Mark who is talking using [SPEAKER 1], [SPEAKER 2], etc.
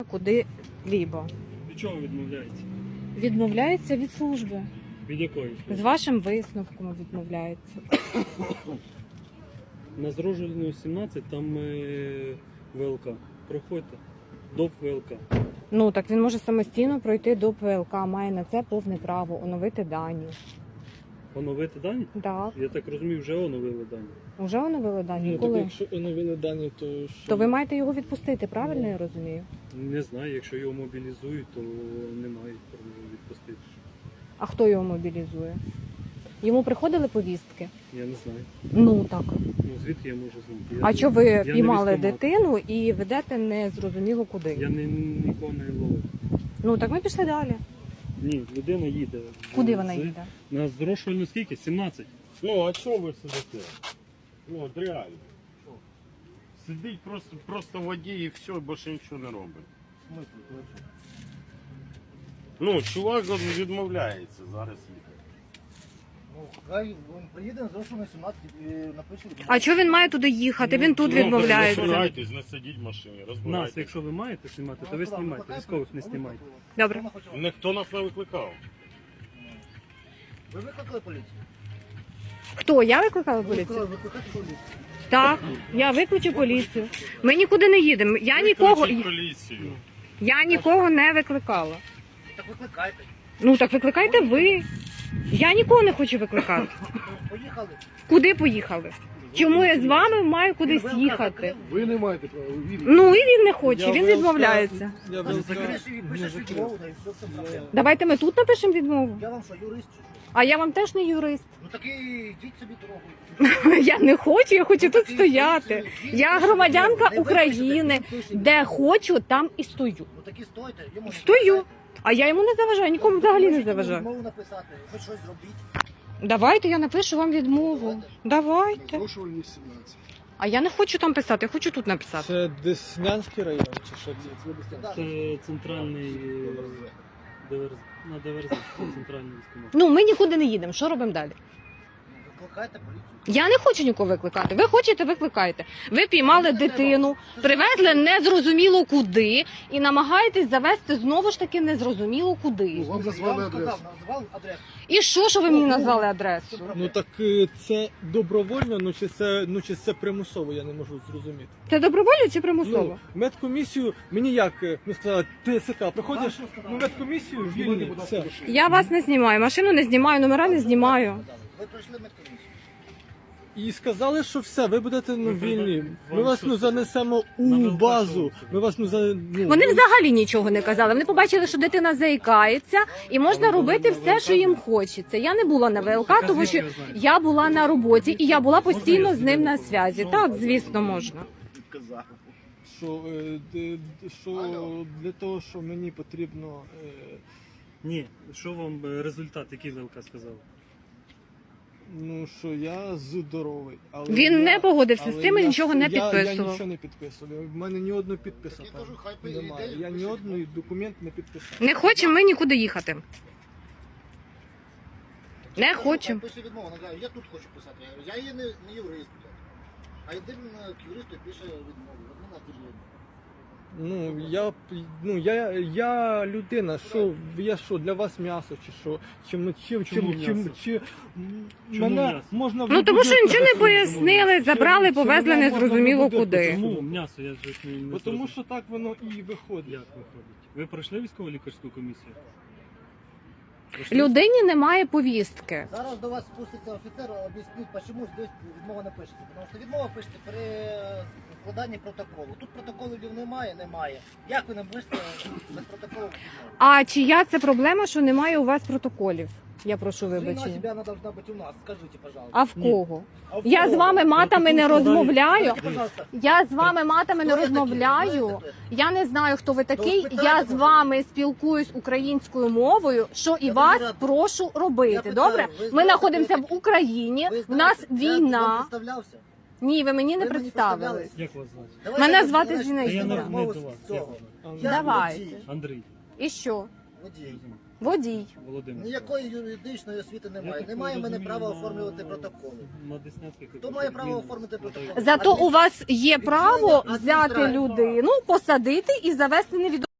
[SPEAKER 1] куди-лібо.
[SPEAKER 2] Від чого відмовляється?
[SPEAKER 1] Відмовляється від служби.
[SPEAKER 2] Від якої?
[SPEAKER 1] З вашим висновком відмовляється.
[SPEAKER 2] На Зрожельну 17 там ВЛК. Проходьте. ДОП ВЛК.
[SPEAKER 1] Ну, так він може самостійно пройти до ВЛК, має на це повне право, оновити дані.
[SPEAKER 2] Оновити дані?
[SPEAKER 1] Так.
[SPEAKER 2] Я так розумію, вже оновили дані.
[SPEAKER 1] Уже оновили дані?
[SPEAKER 3] Ну,
[SPEAKER 1] Коли?
[SPEAKER 3] так якщо оновили дані, то що?
[SPEAKER 1] То ви маєте його відпустити, правильно я розумію?
[SPEAKER 2] Не знаю, якщо його мобілізують, то немає права відпустити.
[SPEAKER 1] А хто його мобілізує? Йому приходили повістки?
[SPEAKER 2] Я не знаю.
[SPEAKER 1] Ну, так.
[SPEAKER 2] Ну, звідки я можу знати?
[SPEAKER 1] А що ви
[SPEAKER 2] я
[SPEAKER 1] піймали
[SPEAKER 2] не військкомат.
[SPEAKER 1] дитину і ведете незрозуміло куди?
[SPEAKER 2] Я нікого не ловив.
[SPEAKER 1] Ну, так ми пішли далі.
[SPEAKER 2] Ні, людина їде.
[SPEAKER 1] Куди вона їде?
[SPEAKER 2] На Зрошельну скільки? 17.
[SPEAKER 4] Ну, а чого ви сидите? Ну, от реально. Сидить просто в воді і все, більше нічого не робить. Ну, чувак відмовляється зараз їхати.
[SPEAKER 5] Ну, хай він приїде, зрошу на 17 і напише.
[SPEAKER 1] А чого він має туди їхати? Він тут
[SPEAKER 4] Ну, не
[SPEAKER 1] відмовляється.
[SPEAKER 4] розбирайтесь, не сидіть в машині,
[SPEAKER 2] Нас,
[SPEAKER 4] розбирайтесь.
[SPEAKER 2] якщо ви маєте знімати, то ви знімайте. Військових не знімайте.
[SPEAKER 1] Добре.
[SPEAKER 4] Ніхто нас не викликав.
[SPEAKER 5] Ви викликали поліцію?
[SPEAKER 1] Хто? Я викликала поліцію?
[SPEAKER 5] Викликати поліцію.
[SPEAKER 1] Так, я виключу поліцію. Ми нікуди не їдемо.
[SPEAKER 4] Викличіть поліцію.
[SPEAKER 1] Я нікого не викликала.
[SPEAKER 5] Так викликайте.
[SPEAKER 1] Ну так викликайте ви. Я нікого не хочу викликати.
[SPEAKER 5] Поїхали.
[SPEAKER 1] Куди поїхали? Чому я з вами маю кудись їхати?
[SPEAKER 3] Ви не маєте права, ви вірите.
[SPEAKER 1] Ну і він не хоче, він відмовляється.
[SPEAKER 3] Я
[SPEAKER 5] Пишеш
[SPEAKER 3] не закрив.
[SPEAKER 5] відмову, та і все, все проблема.
[SPEAKER 1] Давайте ми тут напишемо відмову.
[SPEAKER 5] Я вам що, юрист чи що?
[SPEAKER 1] А я вам теж не юрист.
[SPEAKER 5] Ну так і йдіть собі дорогою.
[SPEAKER 1] Я не хочу, я хочу
[SPEAKER 5] Ну,
[SPEAKER 1] тут
[SPEAKER 5] так і
[SPEAKER 1] стояти.
[SPEAKER 5] йдіть,
[SPEAKER 1] Я
[SPEAKER 5] пишете
[SPEAKER 1] громадянка
[SPEAKER 5] відмову. Не
[SPEAKER 1] України.
[SPEAKER 5] випишете, пишете.
[SPEAKER 1] Де хочу, там і стою.
[SPEAKER 5] Ну так і стойте. Йому не
[SPEAKER 1] Стою.
[SPEAKER 5] заважайте.
[SPEAKER 1] А я йому не заважаю, нікому взагалі не
[SPEAKER 5] Можете
[SPEAKER 1] заважаю.
[SPEAKER 5] відмову написати, хоч щось зробіть.
[SPEAKER 1] Давайте я напишу вам відмову. Давайте.
[SPEAKER 3] Зрошувальні 17.
[SPEAKER 1] А я не хочу там писати, я хочу тут написати.
[SPEAKER 3] Це Деснянський район, чи що це?
[SPEAKER 2] Це центральний ДВРЗ. На ДВРЗ, це центральний військкомат.
[SPEAKER 1] Ну, ми нікуди не їдемо. Що робимо далі?
[SPEAKER 5] Викликайте поліцію.
[SPEAKER 1] Я не хочу нікого викликати. Ви хочете, викликайте. Ви піймали дитину, привезли незрозуміло куди і намагаєтесь завести знову ж таки незрозуміло куди.
[SPEAKER 3] Вам
[SPEAKER 5] Я
[SPEAKER 3] назвали
[SPEAKER 5] вам сказав,
[SPEAKER 3] адресу.
[SPEAKER 5] назвав адресу.
[SPEAKER 1] І що ви мені назвали адресу?
[SPEAKER 3] Ну так це добровольно, чи це примусово, я не можу зрозуміти.
[SPEAKER 1] Це добровольно чи примусово?
[SPEAKER 3] Ну, медкомісію, мені як, ну сказали, ТСК, приходиш, ну медкомісію, вільний, все.
[SPEAKER 1] Я вас не знімаю, машину не знімаю, номера не знімаю.
[SPEAKER 5] Ви пройшли медкомісію.
[SPEAKER 3] І сказали, що все, ви будете ну, вільні. Ми
[SPEAKER 2] вам
[SPEAKER 3] вас
[SPEAKER 2] що
[SPEAKER 3] ну
[SPEAKER 2] сказали?
[SPEAKER 3] занесемо
[SPEAKER 2] На
[SPEAKER 3] у
[SPEAKER 2] ВЛК
[SPEAKER 3] базу.
[SPEAKER 2] що
[SPEAKER 3] Ми вас ну за ну,
[SPEAKER 1] Вони взагалі нічого не казали. Вони побачили, що дитина заїкається, і можна робити все, що їм хочеться. Я не була на ВЛК, тому що я була на роботі і я була постійно з ним на зв'язі. Так, звісно, можна.
[SPEAKER 5] Відказав.
[SPEAKER 3] що для того, що мені потрібно.
[SPEAKER 2] Ні, що вам результат, який ВЛК сказав?
[SPEAKER 3] Ну що я здоровий, але
[SPEAKER 1] Він не погодився з
[SPEAKER 3] але
[SPEAKER 1] цим і
[SPEAKER 3] я-
[SPEAKER 1] нічого не
[SPEAKER 3] Я
[SPEAKER 1] підписував.
[SPEAKER 3] нічого не підписував. В мене ні одного підпису
[SPEAKER 5] Я
[SPEAKER 3] там
[SPEAKER 5] кажу, хай
[SPEAKER 3] немає.
[SPEAKER 5] йде,
[SPEAKER 3] Я ні
[SPEAKER 5] пише
[SPEAKER 3] одного документ не підписав.
[SPEAKER 1] Не хочемо ми нікуди їхати. Не хочемо.
[SPEAKER 5] Пише відмову, вона каже, я тут хочу писати. Я говорю, я є не юрист. А йди к юристу і пише відмову. От мене тобі.
[SPEAKER 3] Я людина, що я що для вас м'ясо, чи що,
[SPEAKER 2] Чому м'ясо?
[SPEAKER 3] мене
[SPEAKER 2] м'ясо?
[SPEAKER 3] можна
[SPEAKER 1] Ну тому що нічого не
[SPEAKER 3] вибудити-
[SPEAKER 1] пояснили, забрали,
[SPEAKER 3] Чи
[SPEAKER 1] повезли
[SPEAKER 3] мене можна
[SPEAKER 1] незрозуміло
[SPEAKER 3] вибудити?
[SPEAKER 1] куди.
[SPEAKER 2] Чому м'ясо? Я ж не
[SPEAKER 3] Бо тому
[SPEAKER 2] зрозумів.
[SPEAKER 3] що так воно і виходить.
[SPEAKER 2] Як виходить? Ви пройшли військово-лікарську комісію? Пройшли?
[SPEAKER 1] Людині немає повістки.
[SPEAKER 5] Зараз до вас спуститься офіцер, об'яснить, чому здесь відмова не пишеться. Тому що відмова пишеться при складанні протоколу. Тут протоколів немає. Як ви не пишете без протоколу відмову?
[SPEAKER 1] А чия це проблема, що немає у вас протоколів? Я прошу
[SPEAKER 5] Вина
[SPEAKER 1] вибачення.
[SPEAKER 5] себя она должна быть у нас, скажите, пожалуйста.
[SPEAKER 1] А в кого?
[SPEAKER 5] А в
[SPEAKER 1] Я
[SPEAKER 5] кого?
[SPEAKER 1] з вами матами не розмовляю.
[SPEAKER 5] Скажите, пожалуйста,
[SPEAKER 1] Я з вами матами не
[SPEAKER 5] хто ви такі?
[SPEAKER 1] розмовляю.
[SPEAKER 5] Хто ви такі?
[SPEAKER 1] Я не знаю, хто ви такий.
[SPEAKER 5] спитайте,
[SPEAKER 1] Я з
[SPEAKER 5] може.
[SPEAKER 1] вами спілкуюсь українською мовою, що і
[SPEAKER 5] Я
[SPEAKER 1] вас
[SPEAKER 5] дуже рад.
[SPEAKER 1] прошу
[SPEAKER 5] Я
[SPEAKER 1] робити.
[SPEAKER 5] питаю,
[SPEAKER 1] Добре?
[SPEAKER 5] ви
[SPEAKER 1] Ми
[SPEAKER 5] знаєте,
[SPEAKER 1] знаходимося
[SPEAKER 5] хто
[SPEAKER 1] в
[SPEAKER 5] ви
[SPEAKER 1] Україні.
[SPEAKER 5] Ви
[SPEAKER 1] В нас
[SPEAKER 5] знаєте, я вам
[SPEAKER 1] війна.
[SPEAKER 5] представлявся.
[SPEAKER 1] Ні, ви мені не
[SPEAKER 5] Ви мені
[SPEAKER 1] представились.
[SPEAKER 5] представлялись.
[SPEAKER 2] Як вас звати?
[SPEAKER 5] Давайте
[SPEAKER 1] Мене
[SPEAKER 5] ми
[SPEAKER 1] звати
[SPEAKER 5] почнемо
[SPEAKER 1] Зінаїда.
[SPEAKER 2] Та я не
[SPEAKER 5] розмову
[SPEAKER 2] до
[SPEAKER 5] з
[SPEAKER 2] вас.
[SPEAKER 5] цього.
[SPEAKER 2] Як вас звати?
[SPEAKER 5] Я
[SPEAKER 1] Давайте.
[SPEAKER 5] водій.
[SPEAKER 2] Андрій.
[SPEAKER 1] І що?
[SPEAKER 5] Водій.
[SPEAKER 1] Водій.
[SPEAKER 2] Володимир.
[SPEAKER 5] Ніякої юридичної освіти немає. Немає в мене права оформлювати протоколи.
[SPEAKER 2] На Деснянських.
[SPEAKER 5] Хто має право оформити протокол?
[SPEAKER 1] Зато у вас є право
[SPEAKER 5] Відділення
[SPEAKER 1] взяти
[SPEAKER 5] адміністрації.
[SPEAKER 1] людину, посадити і завести невідомо.